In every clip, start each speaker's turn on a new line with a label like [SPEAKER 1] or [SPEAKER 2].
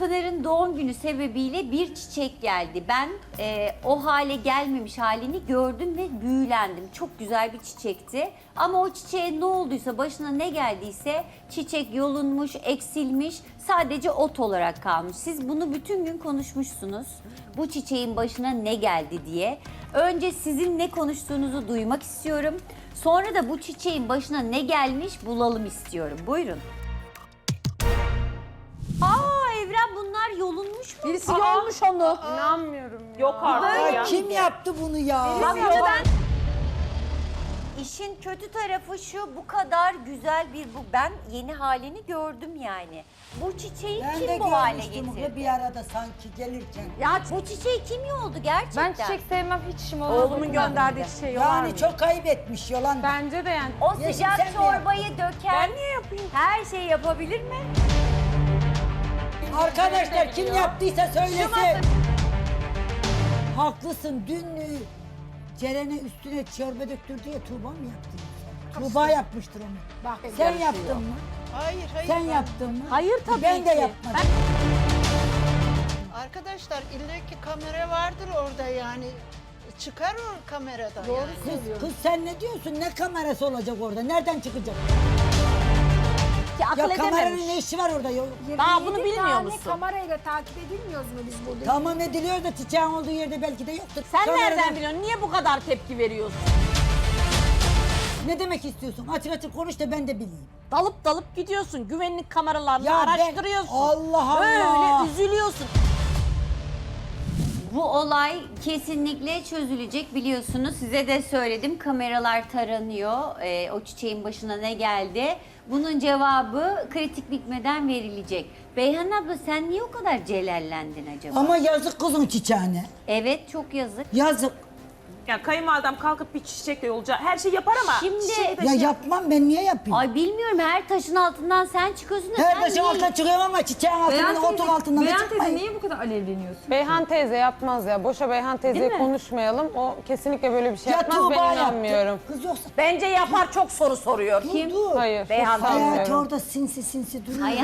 [SPEAKER 1] Pınar'ın doğum günü sebebiyle bir çiçek geldi. Ben o hale gelmemiş halini gördüm ve büyülendim. Çok güzel bir çiçekti. Ama o çiçeğe ne olduysa, başına ne geldiyse çiçek yolunmuş, eksilmiş, sadece ot olarak kalmış. Siz bunu bütün gün konuşmuşsunuz. Bu çiçeğin başına ne geldi diye. Önce sizin ne konuştuğunuzu duymak istiyorum. Sonra da bu çiçeğin başına ne gelmiş bulalım istiyorum. Buyurun. Evren, bunlar yolunmuş mu?
[SPEAKER 2] Birisi yolmuş onu.
[SPEAKER 3] İnanmıyorum ya.
[SPEAKER 4] Yok artık
[SPEAKER 1] Böyle
[SPEAKER 4] ya.
[SPEAKER 2] Kim yaptı bunu ya?
[SPEAKER 1] İşin kötü tarafı şu, bu kadar güzel ben yeni halini gördüm yani. Bu çiçeği
[SPEAKER 2] Ben de
[SPEAKER 1] kim bu hale
[SPEAKER 2] görmüştüm
[SPEAKER 1] getirdi?
[SPEAKER 2] bir arada sanki gelirken.
[SPEAKER 1] Ya bu çiçeği kim yoldu gerçekten?
[SPEAKER 3] Ben çiçek sevmem, hiç işim olmaz.
[SPEAKER 4] Oğlumun gönderdiği çiçeği yolar mı?
[SPEAKER 2] Yani çok ayıp etmiş Yolanda.
[SPEAKER 3] Bence de yani.
[SPEAKER 1] O
[SPEAKER 2] Yeşim,
[SPEAKER 1] sıcak
[SPEAKER 2] sen mi
[SPEAKER 1] çorbayı döken
[SPEAKER 4] Ben niye yapayım?
[SPEAKER 1] her şeyi yapabilir mi?
[SPEAKER 2] Arkadaşlar kim yaptıysa söylesin. Haklısın. Dün Ceren'e üstüne çorba döktürdü ya, Tuğba mı yaptı? Tuğba yapmıştır onu.
[SPEAKER 5] Bak,
[SPEAKER 2] Sen yaptın mı?
[SPEAKER 5] Hayır,
[SPEAKER 2] Sen yaptın mı?
[SPEAKER 5] Hayır tabii
[SPEAKER 2] Ben de
[SPEAKER 5] ki.
[SPEAKER 2] yapmadım.
[SPEAKER 5] Arkadaşlar illaki kamera vardır orada yani. Çıkar o kameradan. Doğru
[SPEAKER 2] Kız sen ne diyorsun? Ne kamerası olacak orada? Nereden çıkacak?
[SPEAKER 5] ki akıl
[SPEAKER 2] Ya kameranın
[SPEAKER 5] edememiş.
[SPEAKER 2] ne işi var orada?
[SPEAKER 5] Daha bunu bilmiyor musun?
[SPEAKER 6] Kamerayla takip edilmiyoruz mu biz burada?
[SPEAKER 2] Tamam ediliyor da çiçeğin olduğu yerde belki de yoktur.
[SPEAKER 5] Sen
[SPEAKER 2] Kameradan-
[SPEAKER 5] nereden biliyorsun? Niye bu kadar tepki veriyorsun?
[SPEAKER 2] Ne demek istiyorsun? Açık açık konuş da ben de bileyim.
[SPEAKER 5] Dalıp dalıp gidiyorsun. Güvenlik kameralarını
[SPEAKER 2] Ya ben-
[SPEAKER 5] araştırıyorsun.
[SPEAKER 2] Allah Allah.
[SPEAKER 5] Böyle üzülüyorsun.
[SPEAKER 1] Bu olay kesinlikle çözülecek, biliyorsunuz. Size de söyledim, kameralar taranıyor. O çiçeğin başına ne geldi? Bunun cevabı kritik bitmeden verilecek. Beyhan abla, sen niye o kadar celallendin acaba?
[SPEAKER 2] Ama yazık kızın çiçeğine.
[SPEAKER 1] Evet, çok yazık.
[SPEAKER 2] Yazık.
[SPEAKER 4] Yani kayınvalidem kalkıp bir çiçekle yolacak. Her şey yapar ama.
[SPEAKER 1] Şimdi-
[SPEAKER 4] çiçeği de
[SPEAKER 2] Ya
[SPEAKER 4] şey-
[SPEAKER 2] yapmam, ben niye yapayım?
[SPEAKER 1] Ay bilmiyorum, her taşın altından sen çıkıyorsun da
[SPEAKER 2] Her
[SPEAKER 1] sen
[SPEAKER 2] taşın
[SPEAKER 1] niye-
[SPEAKER 2] altına çıkıyorum ama çiçeğin altından, otun altından da
[SPEAKER 7] Beyhan teyze
[SPEAKER 2] çıkmayayım.
[SPEAKER 7] niye bu kadar alevleniyorsun?
[SPEAKER 3] Beyhan teyze yapmaz ya. Boşa Beyhan teyzeyi konuşmayalım. O kesinlikle böyle bir şey
[SPEAKER 2] Ya
[SPEAKER 3] yapmaz.
[SPEAKER 2] Tuğba
[SPEAKER 3] Ben
[SPEAKER 2] yaptı.
[SPEAKER 3] inanmıyorum.
[SPEAKER 2] Kız yoksa
[SPEAKER 5] Bence yapar, çok soru soruyor.
[SPEAKER 2] kim? Dur.
[SPEAKER 3] Hayır.
[SPEAKER 5] Beyhan
[SPEAKER 3] hiç
[SPEAKER 5] teyze.
[SPEAKER 2] Hayatı
[SPEAKER 3] sanmıyorum.
[SPEAKER 2] orada sinsi duruyor.
[SPEAKER 1] Ay,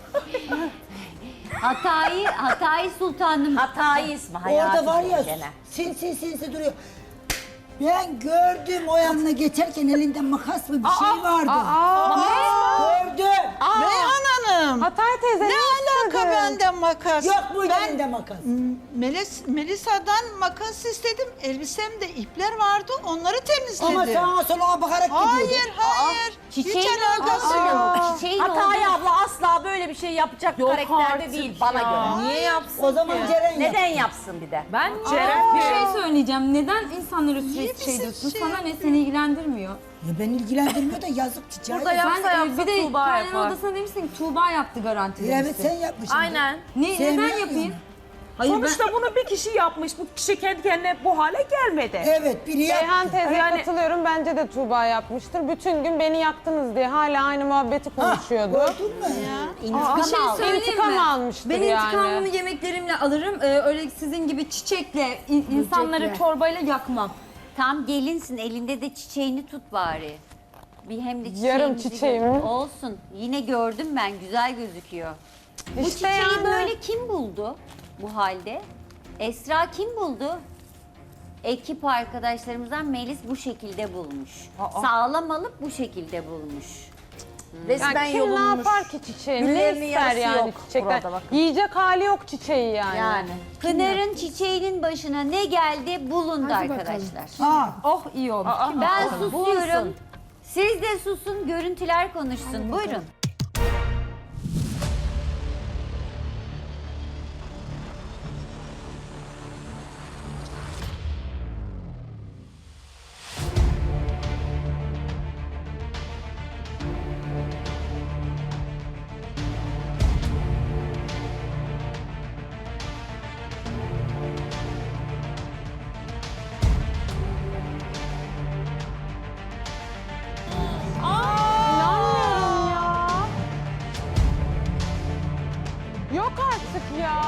[SPEAKER 1] Hatayı sultanım.
[SPEAKER 5] Hatayı ismi hayatı.
[SPEAKER 2] Orada var ya
[SPEAKER 5] gene.
[SPEAKER 2] sinsi duruyor. Ben gördüm o yanına geçerken elinde makas mı bir şey vardı. Gördüm.
[SPEAKER 6] Beyhan Hanım.
[SPEAKER 3] Hatay teyze
[SPEAKER 6] Ne alaka benden makas?
[SPEAKER 2] Yok muydu
[SPEAKER 6] Ben
[SPEAKER 2] elinde makas?
[SPEAKER 6] Melisa'dan makas istedim. Elbisemde ipler vardı. Onları temizledim.
[SPEAKER 2] Ama sağa sola bakarak
[SPEAKER 6] Hayır,
[SPEAKER 2] gidiyordun.
[SPEAKER 6] hayır.
[SPEAKER 1] Çiçeğin
[SPEAKER 6] Hiç alakası
[SPEAKER 1] olduğu-
[SPEAKER 6] yok.
[SPEAKER 1] Çiçeğin
[SPEAKER 5] Hatay
[SPEAKER 1] olduğu-
[SPEAKER 5] abla asla böyle bir şey yapacak karakterde değil bana göre.
[SPEAKER 7] Niye yapsın?
[SPEAKER 2] O zaman Ceren yap.
[SPEAKER 5] Neden yapsın bir de?
[SPEAKER 7] Ben bir şey söyleyeceğim. Neden insanlara sürekli şey diyorsun? Sana ne, seni ilgilendirmiyor.
[SPEAKER 2] Ya ben ilgilendirmiyor da yazık çiçeğe.
[SPEAKER 4] Burada
[SPEAKER 2] yazık.
[SPEAKER 4] yapsa
[SPEAKER 7] Sen
[SPEAKER 4] yapsa
[SPEAKER 7] bir de
[SPEAKER 4] Tuğba
[SPEAKER 7] kaynana
[SPEAKER 4] yapar.
[SPEAKER 7] odasına demişsin ki Tuğba yaptı garanti
[SPEAKER 2] Evet
[SPEAKER 7] demişsin.
[SPEAKER 2] sen yapmışsın.
[SPEAKER 4] Aynen.
[SPEAKER 7] Neden
[SPEAKER 2] Sevmiyor
[SPEAKER 7] yapayım?
[SPEAKER 2] musun?
[SPEAKER 7] Hayır
[SPEAKER 4] Sonuçta bunu bir kişi yapmış. Bu kişi kendi kendine bu hale gelmedi.
[SPEAKER 2] Evet biri
[SPEAKER 3] Beyhan
[SPEAKER 2] yaptı.
[SPEAKER 3] teyzeye
[SPEAKER 4] Yani-
[SPEAKER 3] katılıyorum. Bence de Tuğba yapmıştır. Bütün gün beni yaktınız diye hala aynı muhabbeti konuşuyordu.
[SPEAKER 2] Gördün mü?
[SPEAKER 7] bir şey söyleyeyim
[SPEAKER 3] İntikam
[SPEAKER 7] mi?
[SPEAKER 3] almıştır
[SPEAKER 7] Ben
[SPEAKER 3] yani.
[SPEAKER 7] intikamımı yemeklerimle alırım. Öyle sizin gibi çiçekle, insanları çorbayla yakmam.
[SPEAKER 1] Tam gelinsin, elinde de çiçeğini tut bari. Bir hem de
[SPEAKER 3] Yarım
[SPEAKER 1] çiçeğimizi
[SPEAKER 3] çiçeğimi.
[SPEAKER 1] olsun. Yine gördüm ben, güzel gözüküyor. Bu
[SPEAKER 3] İşte
[SPEAKER 1] çiçeği
[SPEAKER 3] yani.
[SPEAKER 1] böyle kim buldu bu halde? Esra kim buldu? Ekip arkadaşlarımızdan Melis bu şekilde bulmuş. Sağlam alıp bu şekilde bulmuş.
[SPEAKER 5] Resmen
[SPEAKER 3] Yani kim
[SPEAKER 5] yolunmuş.
[SPEAKER 3] ne yapar ki çiçeği? Ne
[SPEAKER 5] Güllerinin
[SPEAKER 3] ister
[SPEAKER 5] yarısı
[SPEAKER 3] yani
[SPEAKER 5] yok
[SPEAKER 3] çiçekten?
[SPEAKER 5] burada bakın.
[SPEAKER 3] Yiyecek hali yok çiçeği yani.
[SPEAKER 5] Yani.
[SPEAKER 1] Pınar'ın çiçeğinin başına ne geldi bulundu arkadaşlar.
[SPEAKER 2] Aa,
[SPEAKER 7] Oh iyi olmuş. Kim
[SPEAKER 1] Ben
[SPEAKER 7] bakalım?
[SPEAKER 1] susuyorum. Siz de susun, görüntüler konuşsun. Buyurun.
[SPEAKER 3] İnanmıyorum ya. Yok artık ya.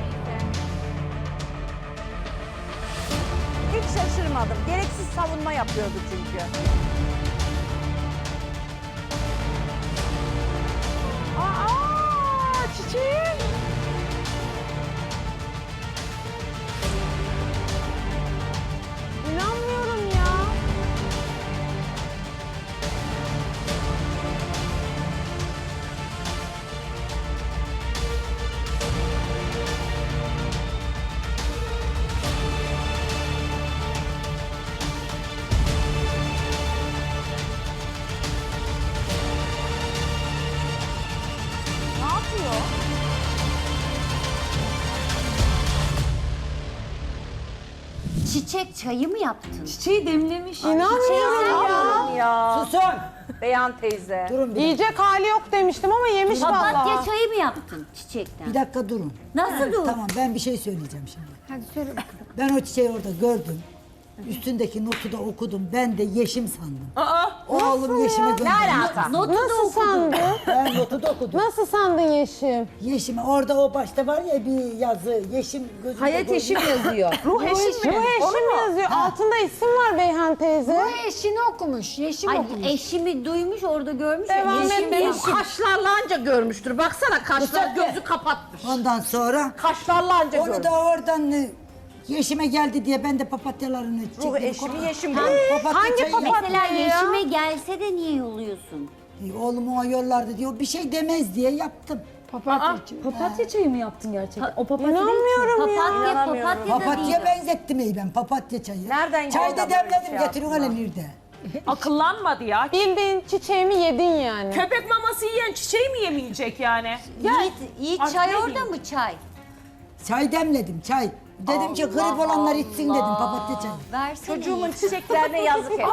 [SPEAKER 5] Hiç şaşırmadım. Gereksiz savunma yapıyordu çünkü.
[SPEAKER 3] Aa, çiçeğim.
[SPEAKER 1] çiçek çayı mı yaptın?
[SPEAKER 7] Çiçeği demlemiş.
[SPEAKER 3] İnanmıyorum ya.
[SPEAKER 2] Susun.
[SPEAKER 4] Beyhan teyze.
[SPEAKER 2] Durun bir dakika.
[SPEAKER 3] Yiyecek hali yok demiştim ama yemiş
[SPEAKER 1] Papatya
[SPEAKER 3] vallahi.
[SPEAKER 1] çayı mı yaptın çiçekten?
[SPEAKER 2] Bir dakika durun.
[SPEAKER 1] Nasıl dur?
[SPEAKER 2] Tamam ben bir şey söyleyeceğim şimdi.
[SPEAKER 7] Hadi söyle bakalım.
[SPEAKER 2] Ben o çiçeği orada gördüm. Üstündeki notu da okudum. Ben de yeşim sandım. Oğlum yeşime gönderdi.
[SPEAKER 1] Notu da
[SPEAKER 3] Nasıl
[SPEAKER 1] okudum.
[SPEAKER 3] sandın?
[SPEAKER 2] Ben notu da okudum.
[SPEAKER 3] Nasıl sandın Yeşim?
[SPEAKER 2] Yeşim orada o başta var ya bir yazı. Yeşim gözümde
[SPEAKER 7] Hayat
[SPEAKER 2] gördüm.
[SPEAKER 7] eşim yazıyor.
[SPEAKER 4] Ruh eşim mi?
[SPEAKER 3] Bu Yeşim yazıyor. Altında isim var Beyhan teyze.
[SPEAKER 7] Eşini okumuş. Yeşim
[SPEAKER 1] Ay,
[SPEAKER 7] okumuş.
[SPEAKER 1] eşimi duymuş orada görmüş. ya,
[SPEAKER 3] Devam
[SPEAKER 1] yeşim
[SPEAKER 3] et.
[SPEAKER 1] yeşim.
[SPEAKER 8] Kaşlarla anca görmüştür. Baksana kaşlar gözü kapatmış.
[SPEAKER 2] Ondan sonra
[SPEAKER 8] Kaşlarla anca
[SPEAKER 2] onu
[SPEAKER 8] görmüş.
[SPEAKER 2] da oradan yeşime geldi diye ben de papatyalarını
[SPEAKER 8] Ruh
[SPEAKER 2] çektim.
[SPEAKER 8] eşimi yeşim
[SPEAKER 2] Papatya
[SPEAKER 3] Hangi
[SPEAKER 2] çayı
[SPEAKER 3] papatya?
[SPEAKER 1] Mesela
[SPEAKER 3] ya?
[SPEAKER 1] yeşime gelse de niye yolluyorsun?
[SPEAKER 2] Oğlum o yollarda diyor bir şey demez diye yaptım.
[SPEAKER 7] Papatya çayı mı yaptın gerçekten? O papatya değil ki.
[SPEAKER 3] İnanmıyorum ya.
[SPEAKER 1] Papatya da değil.
[SPEAKER 2] Papatya benzettim iyi ben papatya çayı.
[SPEAKER 8] Nereden
[SPEAKER 2] Çayda
[SPEAKER 8] geldi böyle
[SPEAKER 2] demledim
[SPEAKER 8] şey
[SPEAKER 2] getiriyor hele nerede?
[SPEAKER 4] Akıllanmadı ya.
[SPEAKER 3] Bildiğin çiçeğimi yedin yani.
[SPEAKER 4] Köpek maması yiyen çiçeği mi yemeyecek yani?
[SPEAKER 1] Yiğit
[SPEAKER 4] Artık
[SPEAKER 1] çay
[SPEAKER 4] ne
[SPEAKER 1] orada
[SPEAKER 4] diyeyim?
[SPEAKER 1] mı çay?
[SPEAKER 2] Çay demledim çay. Dedim ki grip olanlar içsin dedim papatya çayı.
[SPEAKER 1] Versene
[SPEAKER 8] Çocuğumun
[SPEAKER 1] Yiğit.
[SPEAKER 8] çiçeklerine yazık et.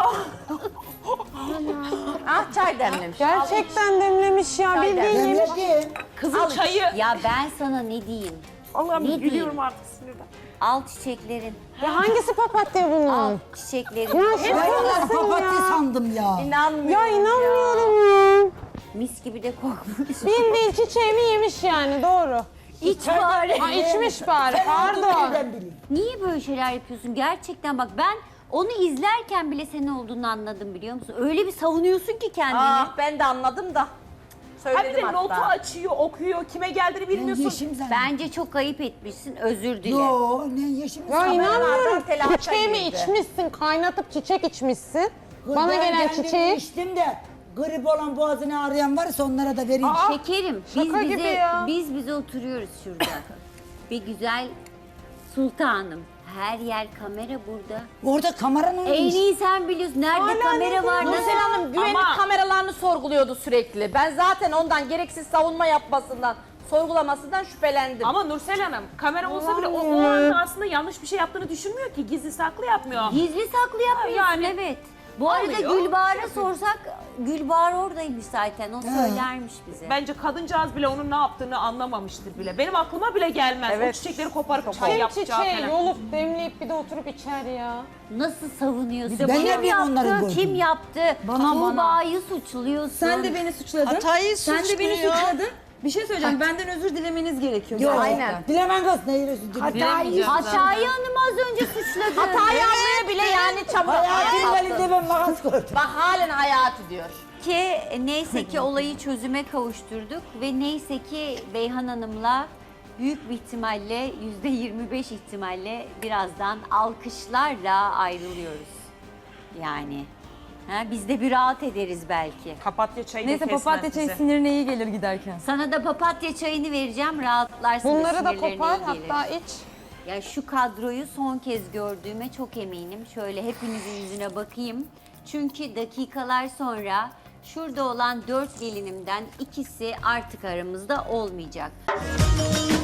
[SPEAKER 8] Ah çay demlemiş.
[SPEAKER 3] Gerçekten demlemiş ya. Bildiğin yemiş.
[SPEAKER 2] Demledim.
[SPEAKER 4] Kızıl çayı.
[SPEAKER 1] Ya ben sana ne diyeyim?
[SPEAKER 4] Allah'ım
[SPEAKER 1] Ne
[SPEAKER 4] gülüyorum
[SPEAKER 1] diyeyim?
[SPEAKER 4] artık sinirden.
[SPEAKER 1] Al çiçeklerin.
[SPEAKER 3] Ya hangisi papatya
[SPEAKER 1] Al
[SPEAKER 3] bunun?
[SPEAKER 1] çiçeklerin.
[SPEAKER 3] Ya
[SPEAKER 2] Ben onları
[SPEAKER 3] şakasın
[SPEAKER 2] papatya
[SPEAKER 3] ya.
[SPEAKER 2] sandım ya.
[SPEAKER 8] İnanmıyorum
[SPEAKER 3] Ya inanmıyorum ya.
[SPEAKER 1] Mis gibi de kokmuş.
[SPEAKER 3] Bildiğin çiçeğimi yemiş yani doğru.
[SPEAKER 1] İç bari.
[SPEAKER 3] Ha içmiş bari pardon.
[SPEAKER 2] Nereden bileyim?
[SPEAKER 1] Niye böyle şeyler yapıyorsun? Gerçekten bak ben onu izlerken bile senin olduğunu anladım biliyor musun? Öyle bir savunuyorsun ki kendini.
[SPEAKER 8] Ah ben de anladım da.
[SPEAKER 4] Ha bir
[SPEAKER 8] Söyledim
[SPEAKER 4] de notu
[SPEAKER 8] hatta.
[SPEAKER 4] açıyor, okuyor, kime geldiğini
[SPEAKER 2] Ben
[SPEAKER 4] bilmiyorsun.
[SPEAKER 2] yeşim zannettim.
[SPEAKER 1] Bence çok ayıp etmişsin. Özür dile.
[SPEAKER 2] Yo ne yeşim
[SPEAKER 3] Ya
[SPEAKER 2] sandım.
[SPEAKER 3] inanmıyorum.
[SPEAKER 8] telaşa
[SPEAKER 3] Çiçeğimi
[SPEAKER 8] girdi.
[SPEAKER 3] içmişsin, kaynatıp çiçek içmişsin.
[SPEAKER 2] Kız,
[SPEAKER 3] Bana
[SPEAKER 2] ben
[SPEAKER 3] gelen
[SPEAKER 2] kendim
[SPEAKER 3] çiçeği.
[SPEAKER 2] içtim de grip olan boğazını ağrıyan varsa onlara da vereyim.
[SPEAKER 1] Şekerim
[SPEAKER 3] Şaka gibi ya.
[SPEAKER 1] biz bize oturuyoruz şurada. Bir güzel sultanım. Her yer kamera burada.
[SPEAKER 2] Orada kameranın
[SPEAKER 1] En iyi sen biliyorsun. Nerede kamera var?
[SPEAKER 8] Nursel
[SPEAKER 1] Nasıl?
[SPEAKER 8] Hanım güvenlik
[SPEAKER 4] Ama-
[SPEAKER 8] kameralarını sorguluyordu sürekli. Ben zaten ondan gereksiz savunma yapmasından, sorgulamasından şüphelendim.
[SPEAKER 4] Ama Nursel Hanım kamera olsa bile o anda aslında yanlış bir şey yaptığını düşünmüyor ki. Gizli saklı yapmıyor.
[SPEAKER 1] Gizli saklı yapmıyorsun
[SPEAKER 4] Yani
[SPEAKER 1] evet. Bu arada
[SPEAKER 4] alıyor,
[SPEAKER 1] Gülbahar'a sorsak Gülbahar oradaymış zaten. O söylermiş bize.
[SPEAKER 4] Bence kadıncağız bile onun ne yaptığını anlamamıştır bile. Benim aklıma bile gelmez. O çiçekleri koparıp çay
[SPEAKER 3] Kim
[SPEAKER 4] yapacağı
[SPEAKER 3] çiçeği
[SPEAKER 4] falan.
[SPEAKER 3] yolup demleyip bir de oturup içer ya.
[SPEAKER 1] Nasıl savunuyorsun?
[SPEAKER 2] Ben ne
[SPEAKER 1] Kim
[SPEAKER 2] bileyim onları
[SPEAKER 1] yaptı?
[SPEAKER 2] gördüm.
[SPEAKER 1] Kim yaptı? Tuğba'yı suçluyorsun.
[SPEAKER 7] Sen de beni suçladın.
[SPEAKER 6] Hatayı
[SPEAKER 7] Sen de beni
[SPEAKER 6] suçluyor.
[SPEAKER 7] suçladın. Bir şey söyleyeceğim. Benden özür dilemeniz gerekiyor.
[SPEAKER 2] Yok.
[SPEAKER 7] Aynen.
[SPEAKER 2] Dilemen kız ne yürüyorsun?
[SPEAKER 1] Hatayı Hanım az önce suçladı.
[SPEAKER 8] Hatayı anlaya bile yani çabuk
[SPEAKER 2] Hayatımın elinde ben makas gördüm.
[SPEAKER 8] Bak halen hayatı diyor.
[SPEAKER 1] Ki neyse ki olayı çözüme kavuşturduk ve neyse ki Beyhan Hanım'la büyük bir ihtimalle %25 ihtimalle birazdan alkışlarla ayrılıyoruz. Yani biz de bir rahat ederiz belki.
[SPEAKER 4] Papatya çayı da
[SPEAKER 7] Neyse
[SPEAKER 4] kesmez
[SPEAKER 7] papatya çayı
[SPEAKER 4] bize.
[SPEAKER 7] sinirine iyi gelir giderken.
[SPEAKER 1] Sana da papatya çayını vereceğim, rahatlarsın.
[SPEAKER 3] Bunları da
[SPEAKER 1] sinirlerine
[SPEAKER 3] kopar
[SPEAKER 1] iyi gelir.
[SPEAKER 3] hatta iç.
[SPEAKER 1] Ya şu kadroyu son kez gördüğüme çok eminim. Şöyle hepinizin yüzüne bakayım. Çünkü dakikalar sonra şurada olan 4 gelinimden ikisi artık aramızda olmayacak.